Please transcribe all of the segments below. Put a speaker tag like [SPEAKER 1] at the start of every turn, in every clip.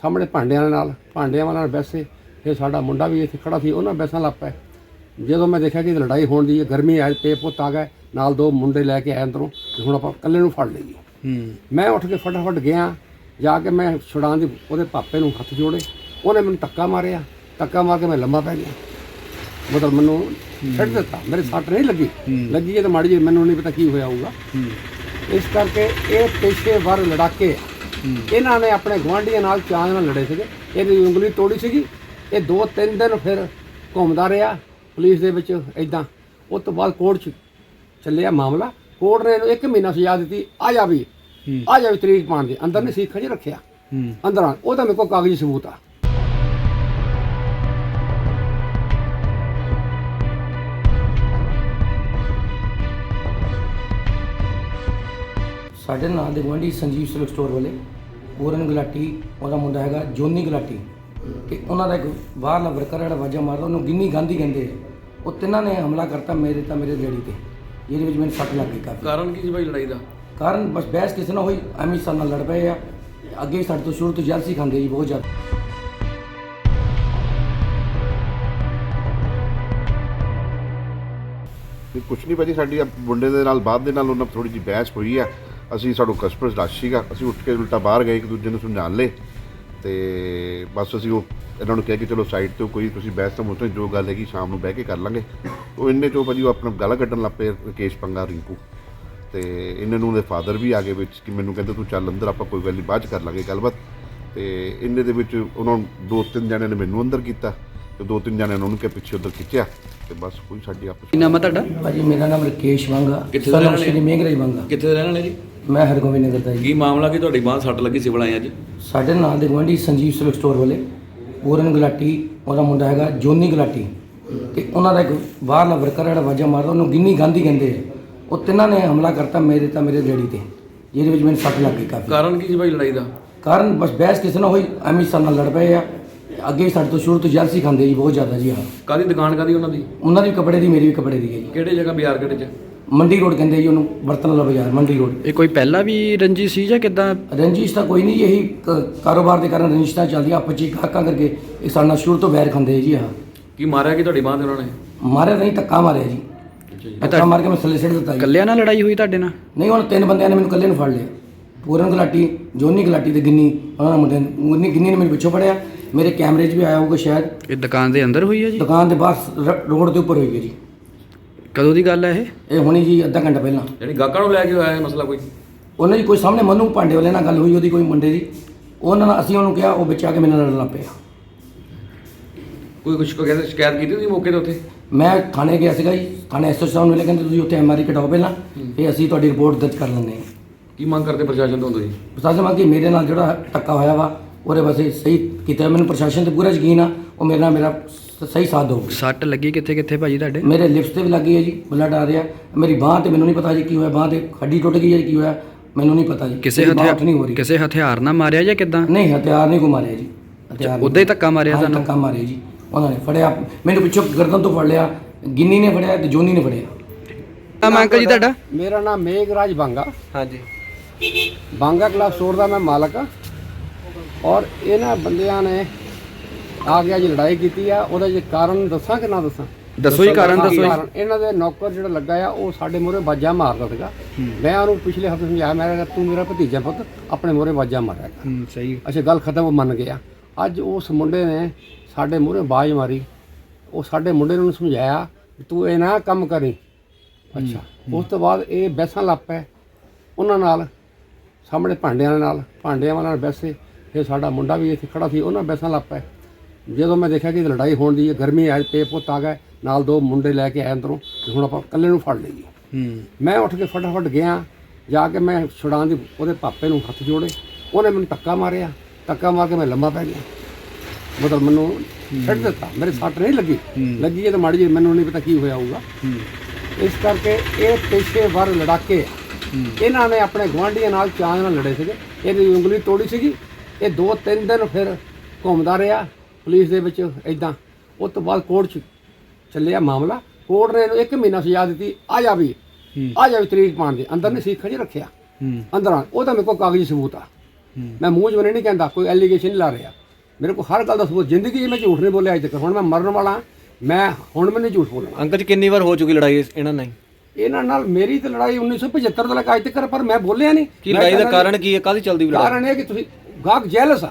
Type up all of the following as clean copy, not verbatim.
[SPEAKER 1] ਸਾਹਮਣੇ ਭਾਂਡਿਆਂ ਵਾਲਾ ਵੈਸੇ ਫਿਰ ਸਾਡਾ ਮੁੰਡਾ ਵੀ ਇੱਥੇ ਖੜਾ ਸੀ, ਉਹਨਾਂ ਬੈਸਾਂ ਲੱਗ ਪਏ। ਜਦੋਂ ਮੈਂ ਦੇਖਿਆ ਕਿ ਲੜਾਈ ਹੋਣ ਦੀ ਹੈ, ਗਰਮੀ ਆਏ, ਪੇ ਪੁੱਤ ਆ ਗਏ ਨਾਲ, 2 ਮੁੰਡੇ ਲੈ ਕੇ ਆਏ ਅੰਦਰੋਂ ਕਿ ਹੁਣ ਆਪਾਂ ਇਕੱਲੇ ਨੂੰ ਫੜ ਲਈਏ। ਮੈਂ ਉੱਠ ਕੇ ਫਟਾਫਟ ਗਿਆ, ਜਾ ਕੇ ਮੈਂ ਛੁਡਾਉਣ ਦੀ ਉਹਦੇ ਪਾਪੇ ਨੂੰ ਹੱਥ ਜੋੜੇ, ਉਹਨੇ ਮੈਨੂੰ ਧੱਕਾ ਮਾਰਿਆ, ਧੱਕਾ ਮਾਰ ਕੇ ਮੈਂ ਲੰਮਾ ਪੈ ਗਿਆ, ਮਤਲਬ ਮੈਨੂੰ ਛੱਡ ਦਿੱਤਾ। ਮੇਰੇ ਸੱਟ ਨਹੀਂ ਲੱਗੀ ਹੈ ਤਾਂ ਮਾੜੀ ਜਿਹੀ, ਮੈਨੂੰ ਨਹੀਂ ਪਤਾ ਕੀ ਹੋਇਆ ਹੋਊਗਾ। ਇਸ ਕਰਕੇ ਇਹ ਪੇਸ਼ੇਵਰ ਲੜਾਕੇ ਆ। ਇਹਨਾਂ ਨੇ ਆਪਣੇ ਗੁਆਂਢੀਆਂ ਨਾਲ ਚਾਂਦ ਨਾਲ ਲੜੇ ਸੀਗੇ, ਇਹਦੀ ਉਂਗਲੀ ਤੋੜੀ ਸੀਗੀ। ਇਹ 2-3 ਦਿਨ ਫਿਰ ਘੁੰਮਦਾ ਰਿਹਾ ਪੁਲਿਸ ਦੇ ਵਿੱਚ ਇੱਦਾਂ। ਉਸ ਤੋਂ ਬਾਅਦ ਕੋਰਟ 'ਚ ਚੱਲਿਆ ਮਾਮਲਾ, ਕੋਰਟ ਨੇ ਇਹਨੂੰ 1 ਮਹੀਨਾ ਸਜ਼ਾ ਦਿੱਤੀ। ਆ ਜਾ ਵੀ ਤਰੀਕ ਪਾਉਣ ਦੇ ਅੰਦਰ ਨੇ ਸੀਖਾਂ 'ਚ ਰੱਖਿਆ ਅੰਦਰ, ਉਹਦਾ ਮੇਰੇ ਕੋਲ ਕਾਗਜ਼ੀ ਸਬੂਤ ਆ।
[SPEAKER 2] ਸਾਡੇ ਨਾਲ ਦੇ ਗੁਆਂਢੀ ਸੰਜੀਵ ਸਿਲਕ ਸਟੋਰ ਵਾਲੇ ਪੂਰਨ ਗੁਲਾਟੀ, ਉਹਦਾ ਮੁੰਡਾ ਹੈਗਾ ਜੋਨੀ ਗੁਲਾਟੀ, ਕਿ ਉਹਨਾਂ ਦਾ ਇੱਕ ਬਾਹਰਲਾ ਵਰਕਰ ਜਿਹੜਾ ਵਾਜਾ ਮਾਰਦਾ, ਉਹਨੂੰ ਗਿੰਨੀ ਗਾਂਧੀ ਕਹਿੰਦੇ ਆ। ਉਹ ਤਿੰਨਾਂ ਨੇ ਹਮਲਾ ਕਰਤਾ ਮੇਰੇ ਡੈਡੀ ਤੇ, ਜਿਹਦੇ ਵਿੱਚ ਮੈਨੂੰ ਸੱਟ ਲੱਗ ਗਈ ਕਾਫੀ।
[SPEAKER 3] ਕਾਰਨ ਕੀ ਸੀ ਭਾਈ ਲੜਾਈ ਦਾ?
[SPEAKER 2] ਕਾਰਨ ਬਸ ਬਹਿਸ ਕਿਸੇ ਨਾਲ ਹੋਈ, ਐਵੇਂ ਸਾਡੇ ਨਾਲ ਲੜ ਪਏ ਆ। ਅੱਗੇ ਵੀ ਸਾਡੇ ਤੋਂ ਸ਼ੁਰੂ ਤੋਂ ਜੈਲਸੀ ਖਾਂਦੇ ਜੀ ਬਹੁਤ ਜ਼ਿਆਦਾ।
[SPEAKER 4] ਕੁਛ ਨਹੀਂ ਭਾਜੀ, ਸਾਡੀ ਮੁੰਡੇ ਦੇ ਨਾਲ ਬਾਅਦ ਦੇ ਨਾਲ ਉਹਨਾਂ ਥੋੜੀ ਜਿਹੀ ਬਹਿਸ ਹੋਈ ਆ। ਅਸੀਂ ਸਾਨੂੰ ਕਸਟਮਰ ਰਸ਼ ਸੀਗਾ, ਅਸੀਂ ਉੱਠ ਕੇ ਉਲਟਾ ਬਾਹਰ ਗਏ, ਇੱਕ ਦੂਜੇ ਨੂੰ ਸਮਝਾਉਣ ਲਏ ਤੇ ਬਸ ਅਸੀਂ ਉਹ ਇਹਨਾਂ ਨੂੰ ਕਿਹਾ ਕਿ ਚਲੋ ਸਾਈਡ ਤੋਂ ਕੋਈ ਤੁਸੀਂ ਬਹਿਸ ਤਾਂ ਮੁੱਢੋਂ ਜੋ ਗੱਲ ਹੈਗੀ ਸ਼ਾਮ ਨੂੰ ਬਹਿ ਕੇ ਕਰ ਲਾਂਗੇ। ਉਹ ਇੰਨੇ 'ਚੋਂ ਭਾਜੀ ਉਹ ਆਪਣਾ ਗਾਲਾਂ ਕੱਢਣ ਲੱਗ ਪਏ, ਰਕੇਸ਼ ਪੰਗਾ ਰਿੰਕੂ, ਤੇ ਇਹਨਾਂ ਨੂੰ ਉਹਦੇ ਫਾਦਰ ਵੀ ਆ ਗਏ ਵਿੱਚ ਕਿ ਮੈਨੂੰ ਕਹਿੰਦੇ ਤੂੰ ਚੱਲ ਅੰਦਰ, ਆਪਾਂ ਕੋਈ ਗੱਲ ਨਹੀਂ ਬਾਅਦ 'ਚ ਕਰ ਲਾਂਗੇ ਗੱਲਬਾਤ। ਤੇ ਇੰਨੇ ਦੇ ਵਿੱਚ ਉਹਨਾਂ ਨੂੰ 2-3 ਜਣਿਆਂ ਨੇ ਮੈਨੂੰ ਅੰਦਰ ਕੀਤਾ ਤੇ 2-3 ਜਣਿਆਂ ਨੇ ਉਹਨੂੰ ਕਿ ਪਿੱਛੇ ਉੱਧਰ ਖਿੱਚਿਆ ਤੇ ਬਸ ਕੋਈ ਸਾਡੀ ਆਪਸ।
[SPEAKER 3] ਕੀ ਨਾਮ ਹੈ ਤੁਹਾਡਾ?
[SPEAKER 2] ਭਾਜੀ ਮੇਰਾ ਨਾਮ ਰਕੇਸ਼ ਵਾਂਗਾ,
[SPEAKER 3] ਕਿੱਥੇ ਦਾ ਰਹਿਣ ਵਾਲੇ?
[SPEAKER 2] ਸ਼੍ਰੀ ਮੇਘਰਾਜ ਵਾਂਗਾ।
[SPEAKER 3] ਕਿੱਥੇ ਦੇ ਰਹਿਣ ਵਾਲੇ ਜੀ?
[SPEAKER 2] ਮੈਂ ਹਰਗੋਬਿੰਦ ਨਗਰ ਦਾ ਜੀ।
[SPEAKER 3] ਕੀ ਮਾਮਲਾ ਕਿ ਤੁਹਾਡੀ ਬਾਂਹ ਸੱਟ ਲੱਗੀ, ਸਿਵਲ ਆਏ ਅੱਜ?
[SPEAKER 2] ਸਾਡੇ ਨਾਲ ਦੇ ਗੁਆਂਢੀ ਸੰਜੀਵ ਸਿਲਕ ਸਟੋਰ ਵਾਲੇ ਪੂਰਨ ਗੁਲਾਟੀ, ਉਹਦਾ ਮੁੰਡਾ ਹੈਗਾ ਜੋਨੀ ਗੁਲਾਟੀ, ਤੇ ਉਹਨਾਂ ਦਾ ਇੱਕ ਬਾਹਰਲਾ ਵਰਕਰ ਜਿਹੜਾ ਵਾਜਾ ਮਾਰਦਾ, ਉਹਨੂੰ ਗਿੰਨੀ ਗਾਂਧੀ ਕਹਿੰਦੇ ਆ। ਉਹ ਤਿੰਨਾਂ ਨੇ ਹਮਲਾ ਕਰਤਾ ਮੇਰੇ ਡੈਡੀ ਤੇ, ਜਿਹਦੇ ਵਿੱਚ ਮੈਨੂੰ ਸੱਟ ਲੱਗ ਗਈ ਕਾਫੀ।
[SPEAKER 3] ਕਾਰਨ ਕੀ ਸੀ ਭਾਈ ਲੜਾਈ ਦਾ?
[SPEAKER 2] ਕਾਰਨ ਬਸ ਬਹਿਸ ਕਿਸੇ ਨਾਲ ਹੋਈ, ਐਵੇਂ ਸਾਡੇ ਨਾਲ ਲੜ ਪਏ ਆ। ਅੱਗੇ ਵੀ ਸਾਡੇ ਤੋਂ ਸ਼ੁਰੂ ਤੋਂ ਜੈਲਸੀ ਖਾਂਦੇ ਜੀ ਬਹੁਤ ਜ਼ਿਆਦਾ ਜੀ। ਹਾਂ,
[SPEAKER 3] ਕਾਹਦੀ ਦੁਕਾਨ ਕਾਹਦੀ ਉਹਨਾਂ ਦੀ?
[SPEAKER 2] ਉਹਨਾਂ ਦੀ ਕੱਪੜੇ ਦੀ, ਮੇਰੀ ਵੀ ਕੱਪੜੇ ਦੀ ਹੈ ਜੀ।
[SPEAKER 3] ਕਿਹੜੇ ਜਗ੍ਹਾ, ਬਾਜ਼ਾਰ ਕਿਹੜੇ 'ਚ?
[SPEAKER 2] ਮੰਡੀ ਰੋਡ ਕਹਿੰਦੇ ਜੀ ਉਹਨੂੰ, ਬਰਤਨ ਵਾਲਾ ਬਾਜ਼ਾਰ, ਮੰਡੀ ਰੋਡ।
[SPEAKER 5] ਇਹ ਕੋਈ ਪਹਿਲਾਂ ਵੀ ਰੰਜੀ ਸੀ ਜਾਂ ਕਿੱਦਾਂ?
[SPEAKER 2] ਰੰਜਿਸ਼ ਤਾਂ ਕੋਈ ਨਹੀਂ, ਇਹੀ ਕਾਰੋਬਾਰ ਦੇ ਕਾਰਨ ਰੰਜਿਸ਼ਾਂ ਚੱਲਦੀਆਂ ਆਪਸ 'ਚ ਹੀ, ਗਾਹਕਾਂ ਕਰਕੇ। ਇਹ ਸਾਡੇ ਨਾਲ ਸ਼ੁਰੂ ਤੋਂ ਵੈਰ ਖਾਂਦੇ ਜੀ। ਹਾਂ,
[SPEAKER 3] ਕੀ ਮਾਰਿਆ ਕਿ ਤੁਹਾਡੀ ਬਾਂਹ ਤੇ ਉਹਨਾਂ ਨੇ?
[SPEAKER 2] ਮਾਰਿਆ ਨਹੀਂ, ਧੱਕਾ ਮਾਰਿਆ ਜੀ। ਧੱਕਾ ਮਾਰ ਕੇ ਮੈਂ ਥੱਲੇ ਸਿੱਟ ਦਿੱਤਾ ਜੀ।
[SPEAKER 5] ਇਕੱਲਿਆਂ ਨਾਲ ਲੜਾਈ ਹੋਈ ਤੁਹਾਡੇ ਨਾਲ?
[SPEAKER 2] ਨਹੀਂ, ਹੁਣ 3 ਬੰਦਿਆਂ ਨੇ ਮੈਨੂੰ ਇਕੱਲੇ ਨੂੰ ਫੜ ਲਿਆ। ਪੂਰਨ ਗੁਲਾਟੀ, ਜੋਨੀ ਗੁਲਾਟੀ ਤੇ ਗਿੰਨੀ, ਉਹਨਾਂ ਦੇ ਮੁੰਡੇ ਨੇ। ਗਿੰਨੀ ਨੇ ਮੈਨੂੰ ਪਿੱਛੋਂ ਫੜਿਆ, ਮੇਰੇ ਕੈਮਰੇ 'ਚ ਵੀ ਆਇਆ ਹੋਊਗਾ ਸ਼ਾਇਦ।
[SPEAKER 5] ਇਹ ਦੁਕਾਨ ਦੇ ਅੰਦਰ ਹੋਈ ਹੈ ਜੀ?
[SPEAKER 2] ਦੁਕਾਨ ਦੇ ਬਾਹਰ ਰੋਡ ਦੇ ਉੱਪਰ ਹੋਈ ਹੈ ਜੀ।
[SPEAKER 5] ਕਦੋਂ ਦੀ ਗੱਲ ਹੈ ਇਹ?
[SPEAKER 2] ਇਹ ਹੁਣੀ ਜੀ ਅੱਧਾ ਘੰਟਾ ਪਹਿਲਾਂ।
[SPEAKER 3] ਜਿਹੜੀ ਗਾਹਕਾਂ ਨੂੰ ਲੈ ਕੇ ਆਇਆ ਮਸਲਾ ਕੋਈ?
[SPEAKER 2] ਉਹਨਾਂ ਦੀ ਕੋਈ ਸਾਹਮਣੇ ਮਨੂ ਭਾਂਡੇ ਵਾਲੇ ਨਾਲ ਗੱਲ ਹੋਈ, ਉਹਦੀ ਕੋਈ ਮੁੰਡੇ ਦੀ। ਉਹਨਾਂ ਨਾਲ ਅਸੀਂ ਉਹਨੂੰ ਕਿਹਾ, ਉਹ ਵਿੱਚ ਆ ਕੇ ਮੇਰੇ ਨਾਲ ਲੜਨ ਲੱਗ ਪਿਆ।
[SPEAKER 3] ਕੋਈ ਕੁਛ ਕਹਿੰਦੇ ਸ਼ਿਕਾਇਤ ਕੀਤੀ ਤੁਸੀਂ ਮੌਕੇ ਤੇ ਉੱਥੇ?
[SPEAKER 2] ਮੈਂ ਥਾਣੇ ਗਿਆ ਸੀਗਾ ਜੀ, ਥਾਣੇ ਐਸਓ ਸਾਹਿਬ ਨੂੰ ਕਹਿੰਦੇ ਤੁਸੀਂ ਉੱਥੇ ਐਮਆਰਆਈ ਕਟਾਓ ਪਹਿਲਾਂ, ਤੇ ਅਸੀਂ ਤੁਹਾਡੀ ਰਿਪੋਰਟ ਦਰਜ ਕਰ ਲੈਂਦੇ ਹਾਂ।
[SPEAKER 3] ਕੀ ਮੰਗ ਕਰਦੇ ਪ੍ਰਸ਼ਾਸਨ ਤੋਂ ਤੁਸੀਂ?
[SPEAKER 2] ਪ੍ਰਸ਼ਾਸਨ ਮੰਗ ਕਿ ਮੇਰੇ ਨਾਲ ਜਿਹੜਾ ਧੱਕਾ ਹੋਇਆ ਵਾ ਉਹਦੇ ਵਾਸਤੇ ਸਹੀ ਕੀਤਾ। ਮੈਨੂੰ ਪ੍ਰਸ਼ਾਸਨ ਤੇ ਪੂਰਾ ਯਕੀਨ ਆ, ਉਹ ਮੇਰੇ ਨਾਲ ਮੇਰਾ ਸਹੀ ਸਾਥ ਦੇਊਗਾ।
[SPEAKER 5] ਸੱਟ ਲੱਗੀ ਕਿੱਥੇ ਕਿੱਥੇ ਭਾਜੀ ਤੁਹਾਡੇ?
[SPEAKER 2] ਮੇਰੇ ਲਿਪਸ ਤੇ ਵੀ ਲੱਗੀ ਹੈ ਜੀ, ਬਲੱਡ ਆ ਰਿਹਾ। ਮੇਰੀ ਬਾਂਹ ਤੇ ਮੈਨੂੰ ਨਹੀਂ ਪਤਾ ਜੀ ਕੀ ਹੋਇਆ, ਬਾਂਹ ਤੇ ਹੱਡੀ ਟੁੱਟ ਗਈ ਹੈ, ਕੀ ਹੋਇਆ ਮੈਨੂੰ ਨਹੀਂ ਪਤਾ ਜੀ।
[SPEAKER 5] ਕਿਸੇ ਹਥਿਆਰ ਨਾਲ ਮਾਰਿਆ ਜਾਂ ਕਿੱਦਾਂ?
[SPEAKER 2] ਨਹੀਂ, ਹਥਿਆਰ ਨਹੀਂ ਕੋ ਮਾਰਿਆ ਜੀ। ਹਥਿਆਰ
[SPEAKER 5] ਉਦਾਂ ਹੀ ਧੱਕਾ ਮਾਰਿਆ ਤੁਹਾਨੂੰ?
[SPEAKER 2] ਧੱਕਾ ਮਾਰਿਆ ਜੀ। ਉਹਨਾਂ ਨੇ ਫੜਿਆ ਮੈਨੂੰ, ਪਿੱਛੋਂ ਗਰਦਨ ਤੋਂ ਫੜ ਲਿਆ, ਗਿੰਨੀ ਨੇ ਫੜਿਆ ਤੇ ਜੋਨੀ ਨੇ ਫੜਿਆ।
[SPEAKER 5] ਨਾਮ ਅੰਕਲ ਜੀ ਤੁਹਾਡਾ?
[SPEAKER 1] ਮੇਰਾ ਨਾਮ ਮੇਘਰਾਜ ਬਾਂਗਾ।
[SPEAKER 5] ਹਾਂਜੀ।
[SPEAKER 1] ਬਾਂਗਾ ਕਲਾਸ ਸਟੋਰ ਦਾ ਮੈਂ ਮਾਲਕ ਆ। ਔਰ ਇਹਨਾਂ ਬੰਦਿਆਂ ਨੇ ਆ ਗਿਆ ਜੀ, ਲੜਾਈ ਕੀਤੀ ਆ। ਉਹਦਾ ਜੇ ਕਾਰਨ ਦੱਸਾਂ ਕਿ ਨਾ ਦੱਸਾਂ?
[SPEAKER 5] ਦੱਸੋ ਜੀ ਕਾਰਨ, ਦੱਸੋ ਜੀ।
[SPEAKER 1] ਇਹਨਾਂ ਦੇ ਨੌਕਰ ਜਿਹੜਾ ਲੱਗਾ ਆ, ਉਹ ਸਾਡੇ ਮੂਹਰੇ ਵਾਜਾ ਮਾਰਦਾ ਸੀਗਾ। ਮੈਂ ਉਹਨੂੰ ਪਿਛਲੇ ਹਫ਼ਤੇ ਸਮਝਾਇਆ, ਮੈਂ ਕਿਹਾ ਤੂੰ ਮੇਰਾ ਭਤੀਜਾ ਪੁੱਤ, ਆਪਣੇ ਮੂਹਰੇ ਵਾਜਾ ਮਾਰਿਆ।
[SPEAKER 5] ਸਹੀ।
[SPEAKER 1] ਅੱਛਾ, ਗੱਲ ਖਤਮ, ਉਹ ਮੰਨ ਗਿਆ। ਅੱਜ ਉਸ ਮੁੰਡੇ ਨੇ ਸਾਡੇ ਮੂਹਰੇ ਆਵਾਜ਼ ਮਾਰੀ, ਉਹ ਸਾਡੇ ਮੁੰਡੇ ਨੂੰ ਸਮਝਾਇਆ ਤੂੰ ਇਹ ਨਾ ਕੰਮ ਕਰੀ। ਅੱਛਾ, ਉਸ ਤੋਂ ਬਾਅਦ ਇਹ ਬਹਿਸਾਂ ਲੱਗ ਪਏ ਉਹਨਾਂ ਨਾਲ, ਸਾਹਮਣੇ ਭਾਂਡਿਆਂ ਵਾਲਾ ਵੈਸੇ ਫਿਰ ਸਾਡਾ ਮੁੰਡਾ ਵੀ ਇੱਥੇ ਖੜਾ ਸੀ, ਉਹਨਾਂ ਬਹਿਸਾਂ ਲੱਗ ਪਏ। ਜਦੋਂ ਮੈਂ ਦੇਖਿਆ ਕਿ ਲੜਾਈ ਹੋਣ ਦੀ ਹੈ, ਗਰਮੀ ਆਏ, ਪੇ ਪੁੱਤ ਆ ਗਏ ਨਾਲ, 2 ਮੁੰਡੇ ਲੈ ਕੇ ਆਏ ਅੰਦਰੋਂ ਕਿ ਹੁਣ ਆਪਾਂ ਇਕੱਲੇ ਨੂੰ ਫੜ ਲਈਏ। ਮੈਂ ਉੱਠ ਕੇ ਫਟਾਫਟ ਗਿਆ, ਜਾ ਕੇ ਮੈਂ ਛੁਡਾਉਣ ਦੀ ਉਹਦੇ ਪਾਪੇ ਨੂੰ ਹੱਥ ਜੋੜੇ, ਉਹਨੇ ਮੈਨੂੰ ਧੱਕਾ ਮਾਰਿਆ, ਧੱਕਾ ਮਾਰ ਕੇ ਮੈਂ ਲੰਮਾ ਪੈ ਗਿਆ, ਮਤਲਬ ਮੈਨੂੰ ਛੱਡ ਦਿੱਤਾ। ਮੇਰੇ ਸੱਟ ਨਹੀਂ ਲੱਗੀ ਹੈ ਤਾਂ ਮਾੜੀ ਜਿਹੀ, ਮੈਨੂੰ ਨਹੀਂ ਪਤਾ ਕੀ ਹੋਇਆ ਹੋਊਗਾ। ਇਸ ਕਰਕੇ ਇਹ ਪੇਸ਼ੇਵਰ ਲੜਾਕੇ ਆ। ਇਹਨਾਂ ਨੇ ਆਪਣੇ ਗੁਆਂਢੀਆਂ ਨਾਲ ਚਾਂਦ ਨਾਲ ਲੜੇ ਸੀਗੇ, ਇਹਦੀ ਉਂਗਲੀ ਤੋੜੀ ਸੀਗੀ। ਇਹ 2-3 ਦਿਨ ਫਿਰ ਘੁੰਮਦਾ ਰਿਹਾ ਪੁਲਿਸ ਦੇ ਵਿੱਚ ਇੱਦਾਂ। ਉਸ ਤੋਂ ਬਾਅਦ ਕੋਰਟ 'ਚ ਚੱਲਿਆ ਮਾਮਲਾ, ਕੋਰਟ ਨੇ ਇਹਨੂੰ 1 ਮਹੀਨਾ ਸਜ਼ਾ ਦਿੱਤੀ। ਆ ਜਾ ਵੀ ਤਰੀਕ ਪਾਉਣ ਦੇ ਅੰਦਰ ਨੇ ਸੀਖਾਂ 'ਚ ਰੱਖਿਆ ਅੰਦਰ, ਉਹਦਾ ਮੇਰੇ ਕੋਲ ਕਾਗਜ਼ੀ ਸਬੂਤ ਆ। ਮੈਂ ਮੂੰਹ 'ਚ ਨਹੀਂ ਕਹਿੰਦਾ, ਕੋਈ ਐਲੀਗੇਸ਼ਨ ਨਹੀਂ ਲਾ ਰਿਹਾ। ਮੇਰੇ ਕੋਲ ਹਰ ਗੱਲ ਦਾ ਸਬੂਤ, ਜ਼ਿੰਦਗੀ 'ਚ ਮੈਂ ਝੂਠ ਨਹੀਂ ਬੋਲਿਆ ਅੱਜ ਤੱਕ। ਹੁਣ ਮੈਂ ਮਰਨ ਵਾਲਾ, ਮੈਂ ਹੁਣ ਮੈਨੂੰ ਝੂਠ ਬੋਲਣਾ।
[SPEAKER 6] ਅੰਕਲ ਜੀ ਕਿੰਨੀ ਵਾਰ ਹੋ ਚੁੱਕੀ ਲੜਾਈ ਇਹਨਾਂ ਨਾਲ?
[SPEAKER 1] ਇਹਨਾਂ ਨਾਲ ਮੇਰੀ ਤਾਂ ਲੜਾਈ 1975 ਤੋਂ ਲੈ ਕੇ ਅੱਜ ਤੱਕ, ਪਰ ਮੈਂ ਬੋਲਿਆ ਨਹੀਂ।
[SPEAKER 6] ਕੀ ਲੜਾਈ ਦਾ ਕਾਰਨ ਕੀ ਹੈ? ਕਾਹਦੀ ਚੱਲਦੀ ਲੜਾਈ?
[SPEAKER 1] ਕਾਰਨ ਇਹ ਕਿ ਤੁਸੀਂ ਗਾਹਕ ਜੈਲਸ ਆ,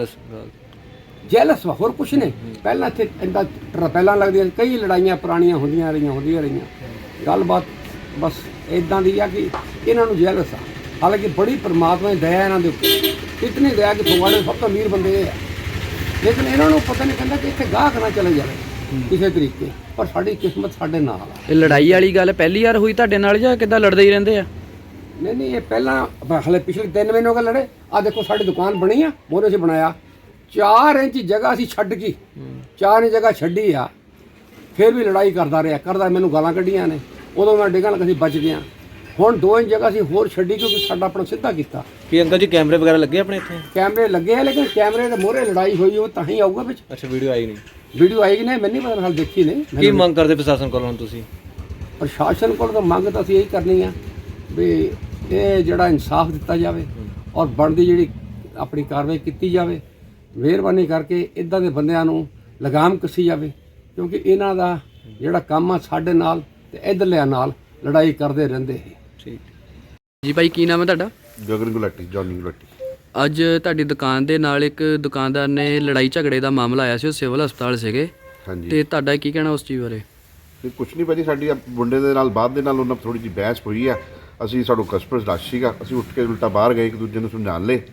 [SPEAKER 1] ਜੈਲਸ ਵਾ, ਹੋਰ ਕੁਛ ਨਹੀਂ। ਪਹਿਲਾਂ ਇੱਥੇ ਇੰਦਾ ਪਹਿਲਾਂ ਲੱਗਦੀਆਂ, ਕਈ ਲੜਾਈਆਂ ਪੁਰਾਣੀਆਂ ਹੁੰਦੀਆਂ ਰਹੀਆਂ। ਗੱਲਬਾਤ ਬਸ ਇਦਾਂ ਦੀ ਆ ਕਿ ਇਹਨਾਂ ਨੂੰ ਜੈਲਸ ਆ। ਹਾਲਾਂਕਿ ਬੜੀ ਪਰਮਾਤਮਾ ਦੀ ਦਇਆ ਇਹਨਾਂ ਦੇ ਉੱਤੇ, ਇਤਨੀ ਦਇਆ ਕਿ ਫਗਵਾੜੇ ਦੇ ਸਭ ਤੋਂ ਅਮੀਰ ਬੰਦੇ ਇਹ ਆ, ਲੇਕਿਨ ਇਹਨਾਂ ਨੂੰ ਪਤਾ ਨਹੀਂ ਕਹਿੰਦਾ ਕਿ ਇੱਥੇ ਗਾਹਕ ਨਾ ਚਲੇ ਜਾਵੇ ਕਿਸੇ ਤਰੀਕੇ। ਪਰ ਸਾਡੀ ਕਿਸਮਤ ਸਾਡੇ ਨਾਲ ਆ।
[SPEAKER 5] ਇਹ ਲੜਾਈ ਵਾਲੀ ਗੱਲ ਪਹਿਲੀ ਵਾਰ ਹੋਈ ਤੁਹਾਡੇ ਨਾਲ ਜਾਂ ਕਿੱਦਾਂ ਲੜਦੇ ਹੀ ਰਹਿੰਦੇ ਆ?
[SPEAKER 1] ਨਹੀਂ, ਇਹ ਪਹਿਲਾਂ ਹਲੇ ਪਿਛਲੇ 3 ਮਹੀਨੇ ਹੋ ਗਏ ਲੜੇ। ਆ ਦੇਖੋ ਸਾਡੀ ਦੁਕਾਨ ਬਣੀ ਆ, ਮੋਰੇ 'ਚ ਬਣਾਇਆ 4 ਇੰਚ ਜਗ੍ਹਾ ਅਸੀਂ ਛੱਡ ਗਈ, 4 ਇੰਚ ਜਗ੍ਹਾ ਛੱਡੀ ਆ, ਫਿਰ ਵੀ ਲੜਾਈ ਕਰਦਾ ਮੈਨੂੰ ਗਾਲਾਂ ਕੱਢੀਆਂ ਨੇ। ਉਦੋਂ ਮੈਂ ਡਿੱਗਣ ਲੱਗਾ ਸੀ, ਬਚ ਗਿਆ। ਹੁਣ 2 ਇੰਚ ਜਗ੍ਹਾ ਅਸੀਂ ਹੋਰ ਛੱਡੀ ਕਿਉਂਕਿ ਸਾਡਾ ਆਪਣਾ ਸਿੱਧਾ ਕੀਤਾ।
[SPEAKER 6] ਕੀ ਅੰਕਲ ਜੀ ਕੈਮਰੇ ਵਗੈਰਾ ਲੱਗੇ ਆਪਣੇ ਇੱਥੇ?
[SPEAKER 1] ਕੈਮਰੇ ਲੱਗੇ ਆ, ਲੇਕਿਨ ਕੈਮਰੇ ਦੇ ਮੋਹਰੇ ਲੜਾਈ ਹੋਈ ਉਹ ਤਾਂ ਹੀ ਆਊਗਾ ਵਿੱਚ।
[SPEAKER 6] ਅੱਛਾ, ਵੀਡੀਓ ਆਈ ਨਹੀਂ?
[SPEAKER 1] ਵੀਡੀਓ ਆਏਗੀ ਨਹੀਂ, ਮੈਨੂੰ ਨਹੀਂ ਪਤਾ, ਹਾਲ ਦੇਖੀ ਨਹੀਂ।
[SPEAKER 6] ਕੀ ਮੰਗ ਕਰਦੇ ਪ੍ਰਸ਼ਾਸਨ ਕੋਲੋਂ ਹੁਣ ਤੁਸੀਂ?
[SPEAKER 1] ਪ੍ਰਸ਼ਾਸਨ ਕੋਲ ਤਾਂ ਮੰਗ ਤਾਂ ਅਸੀਂ ਇਹੀ ਕਰਨੀ ਆ ਵੀ ਇਹ ਜਿਹੜਾ ਇਨਸਾਫ ਦਿੱਤਾ ਜਾਵੇ ਔਰ ਬਣਦੀ ਜਿਹੜੀ ਆਪਣੀ ਕਾਰਵਾਈ ਕੀਤੀ ਜਾਵੇ। ਮਿਹਰਬਾਨੀ ਕਰਕੇ ਇੱਦਾਂ ਦੇ ਬੰਦਿਆਂ ਨੂੰ ਲਗਾਮ ਕੱਸੀ ਜਾਵੇ, ਕਿਉਂਕਿ ਇਹਨਾਂ ਦਾ ਜਿਹੜਾ ਕੰਮ ਆ ਸਾਡੇ ਨਾਲ ਤੇ ਇੱਧਰਲਿਆਂ ਨਾਲ ਲੜਾਈ ਕਰਦੇ ਰਹਿੰਦੇ ਹੈ।
[SPEAKER 5] ਠੀਕ ਜੀ ਭਾਈ, ਕੀ ਨਾਮ ਹੈ ਤੁਹਾਡਾ?
[SPEAKER 4] ਗਗਨ ਗੁਲਾਟੀ, ਜੌਨੀ ਗੁਲਾਟੀ।
[SPEAKER 5] ਅੱਜ ਤੁਹਾਡੀ ਦੁਕਾਨ ਦੇ ਨਾਲ ਇੱਕ ਦੁਕਾਨਦਾਰ ਨੇ ਲੜਾਈ ਝਗੜੇ ਦਾ ਮਾਮਲਾ ਆਇਆ ਸੀ, ਉਹ ਸਿਵਲ ਹਸਪਤਾਲ ਸੀਗੇ,
[SPEAKER 4] ਹਾਂਜੀ,
[SPEAKER 5] ਤੇ ਤੁਹਾਡਾ ਕੀ ਕਹਿਣਾ ਉਸ ਚੀਜ਼ ਬਾਰੇ?
[SPEAKER 4] ਕੁਛ ਨਹੀਂ ਭਾਜੀ, ਸਾਡੀ ਮੁੰਡੇ ਦੇ ਨਾਲ ਬਾਅਦ ਦੇ ਨਾਲ ਉਹਨਾਂ ਥੋੜੀ ਜਿਹੀ ਬਹਿਸ ਹੋਈ ਆ। ਅਸੀਂ ਸਾਡਾ ਕਸਟਮਰ ਰਸ਼ ਸੀਗਾ, ਅਸੀਂ ਉੱਠ ਕੇ ਉਲਟਾ ਬਾਹਰ ਗਏ, ਇੱਕ ਦੂਜੇ ਨੂੰ ਸਮਝਾਣ ਲਏ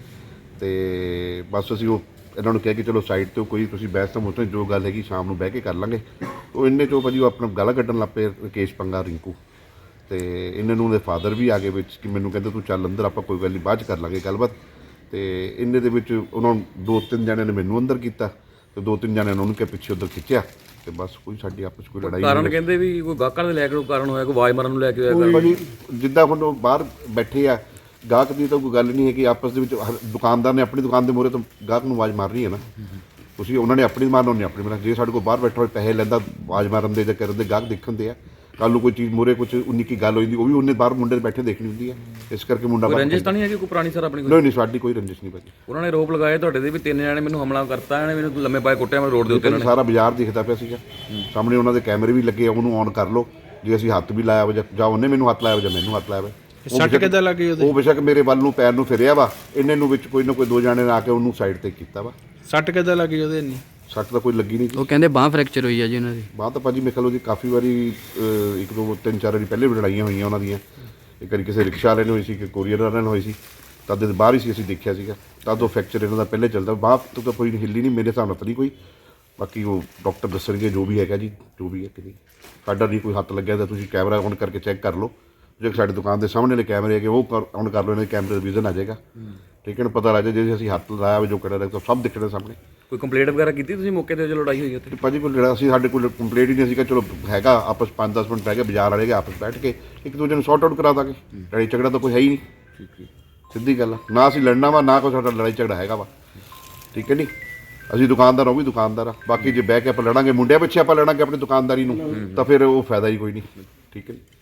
[SPEAKER 4] ਤੇ ਬਸ ਅਸੀਂ ਉਹ ਇਹਨਾਂ ਨੂੰ ਕਿਹਾ ਕਿ ਚਲੋ ਸਾਈਡ ਤੋਂ ਕੋਈ ਤੁਸੀਂ ਬਹਿਸ ਤਾਂ ਮੁੱਤੇ ਜੋ ਗੱਲ ਹੈਗੀ ਸ਼ਾਮ ਨੂੰ ਬਹਿ ਕੇ ਕਰ ਲਾਂਗੇ। ਉਹ ਇੰਨੇ ਚੋਂ ਭਾਜੀ ਉਹ ਆਪਣਾ ਗਾਲਾਂ ਕੱਢਣ ਲੱਗ ਪਏ, ਰਕੇਸ਼ ਪੰਗਾ ਰਿੰਕੂ, ਤੇ ਇਹਨਾਂ ਨੂੰ ਉਹਦੇ ਫਾਦਰ ਵੀ ਆ ਗਏ ਵਿੱਚ ਕਿ ਮੈਨੂੰ ਕਹਿੰਦੇ ਤੂੰ ਚੱਲ ਅੰਦਰ, ਆਪਾਂ ਕੋਈ ਗੱਲ ਨਹੀਂ ਬਾਅਦ 'ਚ ਕਰ ਲਾਂਗੇ ਗੱਲਬਾਤ। ਤੇ ਇੰਨੇ ਦੇ ਵਿੱਚ ਉਹਨਾਂ ਨੂੰ 2-3 ਜਣਿਆਂ ਨੇ ਮੈਨੂੰ ਅੰਦਰ ਕੀਤਾ ਤੇ 2-3 ਜਣਿਆਂ ਨੇ ਉਹਨੂੰ ਕਿ ਪਿੱਛੇ ਉੱਧਰ ਖਿੱਚਿਆ ਤੇ ਬਸ ਕੋਈ ਸਾਡੀ ਆਪਸ 'ਚ ਕੋਈ ਲੜਾਈ
[SPEAKER 3] ਕਾਰਨ ਕਹਿੰਦੇ ਵੀ ਕੋਈ ਗਾਹਕਾਂ ਦੇ ਲੈ ਕੇ ਕਾਰਨ ਹੋਇਆ, ਕੋਈ ਆਵਾਜ਼ ਮਾਰਨ ਨੂੰ ਲੈ ਕੇ ਹੋਇਆ?
[SPEAKER 4] ਭਾਜੀ ਜਿੱਦਾਂ ਹੁਣ ਉਹ ਬਾਹਰ ਬੈਠੇ ਆ, ਗਾਹਕ ਦੀ ਤਾਂ ਕੋਈ ਗੱਲ ਨਹੀਂ ਹੈ ਕਿ ਆਪਸ ਦੇ ਵਿੱਚ ਦੁਕਾਨਦਾਰ ਨੇ ਆਪਣੀ ਦੁਕਾਨ ਦੇ ਮੂਹਰੇ ਤੋਂ ਗਾਹਕ ਨੂੰ ਆਵਾਜ਼ ਮਾਰਨੀ ਹੈ ਨਾ। ਤੁਸੀਂ ਉਹਨਾਂ ਨੇ ਆਪਣੀ ਮਾਰਨਾ, ਉਹਨੇ ਆਪਣੀ ਮਾਰਨਾ। ਜੇ ਸਾਡੇ ਕੋਲ ਬਾਹਰ ਬੈਠਾ ਹੋਏ ਪੈਸੇ ਲੈਂਦਾ ਆਵਾਜ਼ ਮਾਰਨ ਦੇ ਜਾਂ ਕਰਨ ਦੇ, ਗਾਹਕ ਦੇਖਣ ਦੇ ਆ, ਕੱਲ ਨੂੰ ਕੋਈ ਚੀਜ਼ ਮੂਹਰੇ ਕੁਝ ਉਨੀ ਕੀ ਗੱਲ ਹੋ ਜਾਂਦੀ, ਉਹ ਵੀ ਉਹਨੇ ਬਾਹਰ ਮੁੰਡੇ ਬੈਠੇ ਦੇਖਣੀ ਹੁੰਦੀ ਹੈ। ਇਸ ਕਰਕੇ ਮੁੰਡਾ
[SPEAKER 3] ਰੰਜਿਸ਼ ਤਾਂ ਨਹੀਂ ਹੈਗੀ ਕੋਈ ਪੁਰਾਣੀ ਸਰ ਆਪਣੀ?
[SPEAKER 4] ਨਹੀਂ, ਸਾਡੀ ਕੋਈ ਰੰਜਿਸ਼ ਨਹੀਂ ਭਾਜੀ।
[SPEAKER 3] ਉਹਨਾਂ ਨੇ ਆਰੋਪ ਲਗਾਏ ਤੁਹਾਡੇ ਦੇ ਵੀ 3 ਜਣੇ ਮੈਨੂੰ ਹਮਲਾ ਕਰਤਾ, ਇਹਨੇ ਮੈਨੂੰ ਲੰਮੇ ਪਾਏ ਕੁੱਟਿਆ, ਮੈਂ ਰੋਡ ਦੇ ਉੱਤੇ।
[SPEAKER 4] ਸਾਰਾ ਬਾਜ਼ਾਰ ਦਿਖਦਾ ਪਿਆ ਸੀਗਾ ਸਾਹਮਣੇ, ਉਹਨਾਂ ਦੇ ਕੈਮਰੇ ਵੀ ਲੱਗੇ, ਉਹਨੂੰ ਔਨ ਕਰ ਲਓ। ਜੇ ਅਸੀਂ ਹੱਥ ਵੀ ਲਾਇਆ ਵਾ ਜਾਂ ਉਹਨੇ ਮੈਨੂੰ ਹੱਥ ਲਾਇਆ ਵਾ ਜਾਂ ਮੈਨੂੰ ਹੱਥ ਲਾਇਆ ਵਾ,
[SPEAKER 5] ਸੱਟ ਕਿੱਦਾਂ ਲੱਗੀ ਉਹਦੇ?
[SPEAKER 4] ਉਹ ਬੇਸ਼ੱਕ ਮੇਰੇ ਵੱਲ ਨੂੰ ਪੈਰ ਨੂੰ ਫਿਰਿਆ ਵਾ, ਇਹਨੇ ਨੂੰ ਵਿੱਚ ਕੋਈ ਨਾ ਕੋਈ 2 ਜਣੇ ਨੇ ਆ ਕੇ ਉਹਨੂੰ ਸਾਈਡ ਤੇ ਕੀਤਾ ਵਾ।
[SPEAKER 5] ਸੱਟ ਕਿੱਦਾਂ ਲੱਗੀ ਉਹਦੇ? ਇੰਨੀ
[SPEAKER 4] ਸੱਟ ਤਾਂ ਕੋਈ ਲੱਗੀ ਨਹੀਂ।
[SPEAKER 5] ਉਹ ਕਹਿੰਦੇ ਬਾਂਹ ਫ੍ਰੈਕਚਰ ਹੋਈ ਆ ਜੀ ਉਹਨਾਂ ਦੀ।
[SPEAKER 4] ਬਾਅਦ ਤਾਂ ਭਾਜੀ ਮੇਰੇ ਖਿਆਲ ਉਹਦੀ ਕਾਫੀ ਵਾਰੀ 1-2-3-4 ਵਾਰੀ ਪਹਿਲੇ ਵੀ ਲੜਾਈਆਂ ਹੋਈਆਂ ਉਹਨਾਂ ਦੀਆਂ। ਇੱਕ ਵਾਰੀ ਕਿਸੇ ਰਿਕਸ਼ਾ ਵਾਲੇ ਨੂੰ ਹੋਈ ਸੀ, ਕਿ ਕੋਰੀਅਰ ਵਾਲਿਆਂ ਨੂੰ ਹੋਈ ਸੀ, ਤਦ ਦੇ ਬਾਹਰ ਹੀ ਸੀ, ਅਸੀਂ ਦੇਖਿਆ ਸੀਗਾ। ਤਦ ਉਹ ਫ੍ਰੈਕਚਰ ਇਹਨਾਂ ਦਾ ਪਹਿਲੇ ਚੱਲਦਾ, ਬਾਹਰ ਤੋਂ ਤਾਂ ਕੋਈ ਹਿੱਲੀ ਨਹੀਂ ਮੇਰੇ ਹਿਸਾਬ ਨਾਲ ਤਾਂ ਨਹੀਂ ਕੋਈ। ਬਾਕੀ ਉਹ ਡਾਕਟਰ ਦੱਸਣਗੇ ਜੋ ਵੀ ਹੈਗਾ ਜੀ, ਜੋ ਵੀ ਹੈ ਕਿ ਨਹੀਂ। ਸਾਡਾ ਨਹੀਂ ਕੋਈ ਹੱਥ ਲੱਗਿਆ ਤਾਂ ਤੁਸੀਂ ਕੈਮਰਾ ਔਨ ਕਰਕੇ ਚੈੱਕ ਕਰ ਲਓ। ਜੇ ਸਾਡੇ ਦੁਕਾਨ ਦੇ ਸਾਹਮਣੇ ਵਾਲੇ ਕੈਮਰੇ ਹੈਗੇ ਉਹ ਔਨ ਕਰ ਲਓ, ਇਹਨਾਂ ਦੇ ਕੈਮਰੇ ਦਾ ਵਿਜ਼ਨ ਆ ਜਾਏਗਾ, ਠੀਕ ਹੈ ਨਾ, ਪਤਾ ਲੱਗ ਜਾਏ ਜੇ ਅਸੀਂ ਹੱਥ ਲਾਇਆ ਵਾ ਜੋ ਕਿਹੜਾ ਤਾਂ ਸਭ ਦਿਖਣਾ ਸਾਹਮਣੇ।
[SPEAKER 3] ਕੋਈ ਕੰਪਲੇਂਟ ਵਗੈਰਾ ਕੀਤੀ ਤੁਸੀਂ ਮੌਕੇ ਤੇ ਜੋ ਲੜਾਈ ਹੋਈ ਉੱਥੇ?
[SPEAKER 4] ਭਾਜੀ ਕੋਈ ਲੜਾ ਅਸੀਂ ਸਾਡੇ ਕੋਲ ਕੰਪਲੀਟ ਹੀ ਨਹੀਂ ਸੀਗਾ। ਚਲੋ ਹੈਗਾ ਆਪਸ 5-10 ਮਿੰਟ ਬਹਿ ਕੇ ਬਾਜ਼ਾਰ ਵਾਲੇ ਗਏ, ਆਪਸ ਬੈਠ ਕੇ ਇੱਕ ਦੂਜੇ ਨੂੰ ਸੌਟ ਆਊਟ ਕਰਾ ਦਾਂਗੇ। ਲੜਾਈ ਝਗੜਾ ਤਾਂ ਕੋਈ ਹੈ ਹੀ ਨਹੀਂ, ਸਿੱਧੀ ਗੱਲ ਆ। ਨਾ ਅਸੀਂ ਲੜਨਾ ਵਾ, ਨਾ ਕੋਈ ਸਾਡਾ ਲੜਾਈ ਝਗੜਾ ਹੈਗਾ ਵਾ, ਠੀਕ ਹੈ ਨਹੀਂ। ਅਸੀਂ ਦੁਕਾਨਦਾਰ, ਉਹ ਵੀ ਦੁਕਾਨਦਾਰ ਆ। ਬਾਕੀ ਜੇ ਬਹਿ ਕੇ ਆਪਾਂ ਲੜਾਂਗੇ, ਮੁੰਡਿਆਂ ਪਿੱਛੇ ਆਪਾਂ ਲੜਾਂਗੇ ਆਪਣੀ ਦੁਕਾਨਦਾਰੀ ਨੂੰ, ਤਾਂ ਫਿਰ ਉਹ ਫਾਇਦਾ ਹੀ ਕੋਈ ਨਹੀਂ, ਠੀਕ ਹੈ।